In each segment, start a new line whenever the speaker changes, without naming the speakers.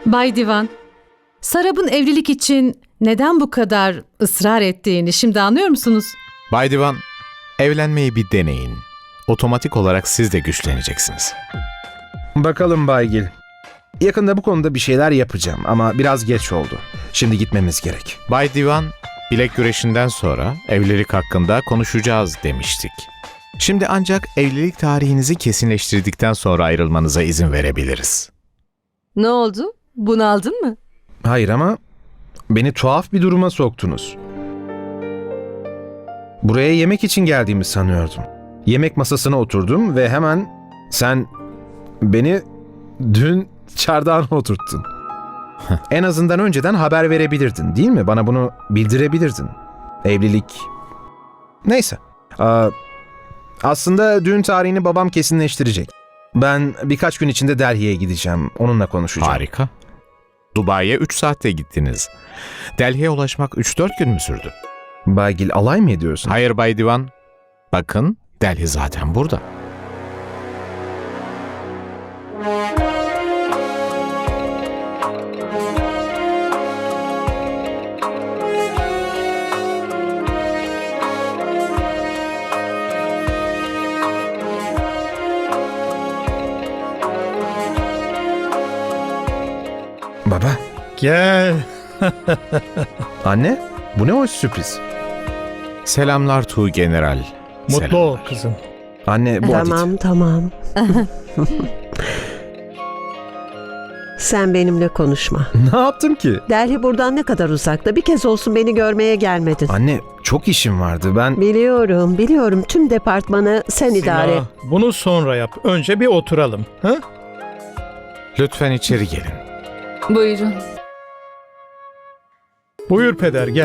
Bay Divan, Sarab'ın evlilik için neden bu kadar ısrar ettiğini şimdi anlıyor musunuz?
Bay Divan, evlenmeyi bir deneyin. Otomatik olarak siz de güçleneceksiniz.
Bakalım Baygil. Yakında bu konuda bir şeyler yapacağım ama biraz geç oldu. Şimdi gitmemiz gerek.
Bay Divan, bilek güreşinden sonra evlilik hakkında konuşacağız demiştik. Şimdi ancak evlilik tarihinizi kesinleştirdikten sonra ayrılmanıza izin verebiliriz.
Ne oldu? Bunaldın mı?
Hayır ama beni tuhaf bir duruma soktunuz. Buraya yemek için geldiğimi sanıyordum. Yemek masasına oturdum ve hemen sen beni dün çardağına oturttun. En azından önceden haber verebilirdin, değil mi? Bana bunu bildirebilirdin. Evlilik... Neyse. Aslında düğün tarihini babam kesinleştirecek. Ben birkaç gün içinde Delhi'ye gideceğim. Onunla konuşacağım.
Harika. Dubai'ye 3 saatte gittiniz. Delhi'ye ulaşmak 3-4 gün mü sürdü?
Baygil, alay mı ediyorsun?
Hayır Bay Divan. Bakın, Delhi zaten burada.
Baba.
Gel.
Anne, bu ne hoş sürpriz.
Selamlar Tuğ General.
Mutlu ol kızım.
Anne, bu Adit.
Tamam. Sen benimle konuşma.
Ne yaptım ki?
Delhi buradan ne kadar uzakta? Bir kez olsun beni görmeye gelmedin.
Anne, çok işim vardı. Ben...
Biliyorum. Tüm departmanı sen idare et.
Sima, bunu sonra yap. Önce bir oturalım. Ha?
Lütfen içeri gelin.
Buyurun.
Buyur peder, gel.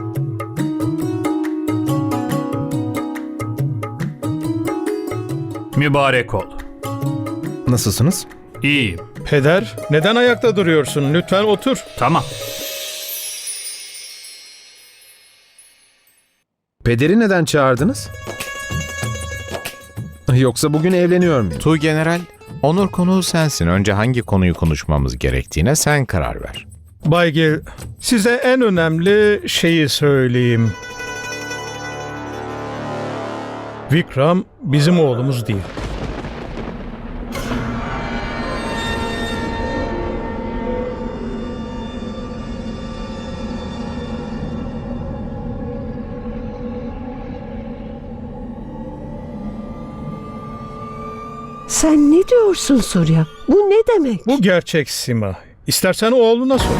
Mübarek ol.
Nasılsınız?
İyiyim.
Peder, neden ayakta duruyorsun? Lütfen otur.
Tamam.
Pederi neden çağırdınız? Yoksa bugün evleniyor muyum?
Tuğ General, onur konuğu sensin. Önce hangi konuyu konuşmamız gerektiğine sen karar ver.
Baygil, size en önemli şeyi söyleyeyim. Vikram bizim oğlumuz değil.
Sen ne diyorsun Surya? Bu ne demek?
Bu gerçek Sima. İstersen oğluna sor.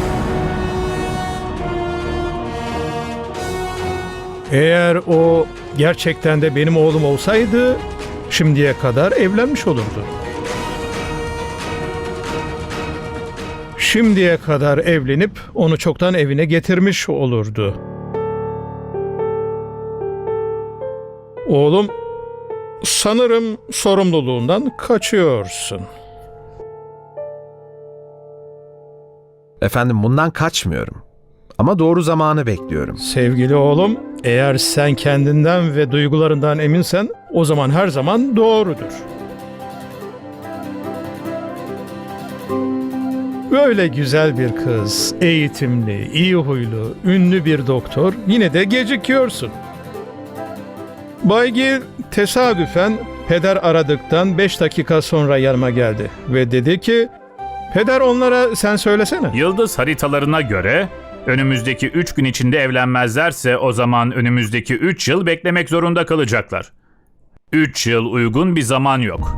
Eğer o gerçekten de benim oğlum olsaydı şimdiye kadar evlenmiş olurdu. Şimdiye kadar evlenip onu çoktan evine getirmiş olurdu. Oğlum, sanırım sorumluluğundan kaçıyorsun.
Efendim, bundan kaçmıyorum. Ama doğru zamanı bekliyorum.
Sevgili oğlum, eğer sen kendinden ve duygularından eminsen o zaman her zaman doğrudur. Böyle güzel bir kız, eğitimli, iyi huylu, ünlü bir doktor, yine de gecikiyorsun. Baygil tesadüfen peder aradıktan 5 dakika sonra yanıma geldi ve dedi ki, "Peder, onlara sen söylesene."
Yıldız haritalarına göre önümüzdeki 3 gün içinde evlenmezlerse o zaman önümüzdeki 3 yıl beklemek zorunda kalacaklar. 3 yıl uygun bir zaman yok.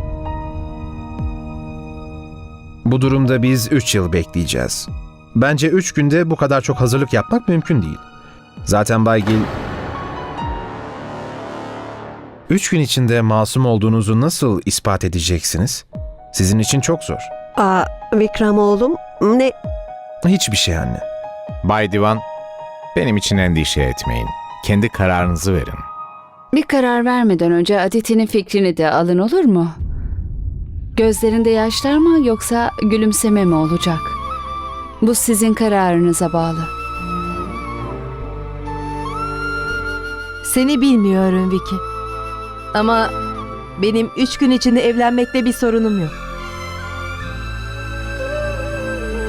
Bu durumda biz 3 yıl bekleyeceğiz. Bence 3 günde bu kadar çok hazırlık yapmak mümkün değil. Zaten Baygil... 3 gün içinde masum olduğunuzu nasıl ispat edeceksiniz? Sizin için çok zor.
Vikram oğlum, ne?
Hiçbir şey anne.
Bay Divan, benim için endişe etmeyin. Kendi kararınızı verin.
Bir karar vermeden önce Aditi'nin fikrini de alın, olur mu? Gözlerinde yaşlar mı yoksa gülümseme mi olacak? Bu sizin kararınıza bağlı.
Seni bilmiyorum Vicky. Ama benim 3 gün içinde evlenmekte bir sorunum yok.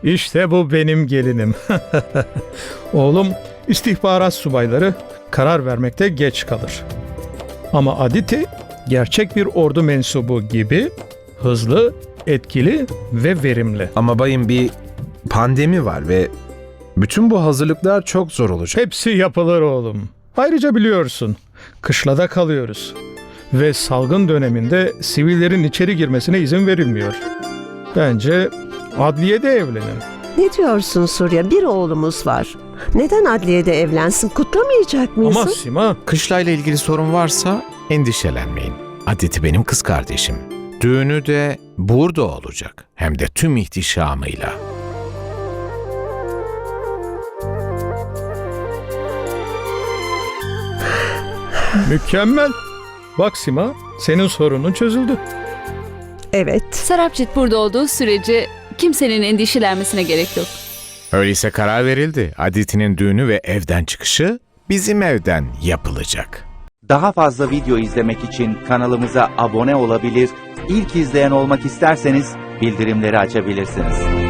İşte bu benim gelinim. Oğlum, istihbarat subayları karar vermekte geç kalır. Ama Aditi gerçek bir ordu mensubu gibi hızlı, etkili ve verimli.
Ama bayım, bir pandemi var ve bütün bu hazırlıklar çok zor olacak.
Hepsi yapılır oğlum. Ayrıca biliyorsun, kışlada kalıyoruz. Ve salgın döneminde sivillerin içeri girmesine izin verilmiyor. Bence adliyede evlenin.
Ne diyorsun Surya? Bir oğlumuz var. Neden adliyede evlensin? Kutlamayacak mıyız?
Ama Sima,
Kışlayla ilgili sorun varsa endişelenmeyin. Aditi benim kız kardeşim. Düğünü de burada olacak. Hem de tüm ihtişamıyla.
mükemmel. Bak Sima, senin sorunun çözüldü.
Evet.
Sarapcit burada olduğu sürece kimsenin endişelenmesine gerek yok.
Öyleyse karar verildi. Aditi'nin düğünü ve evden çıkışı bizim evden yapılacak.
Daha fazla video izlemek için kanalımıza abone olabilir, ilk izleyen olmak isterseniz bildirimleri açabilirsiniz.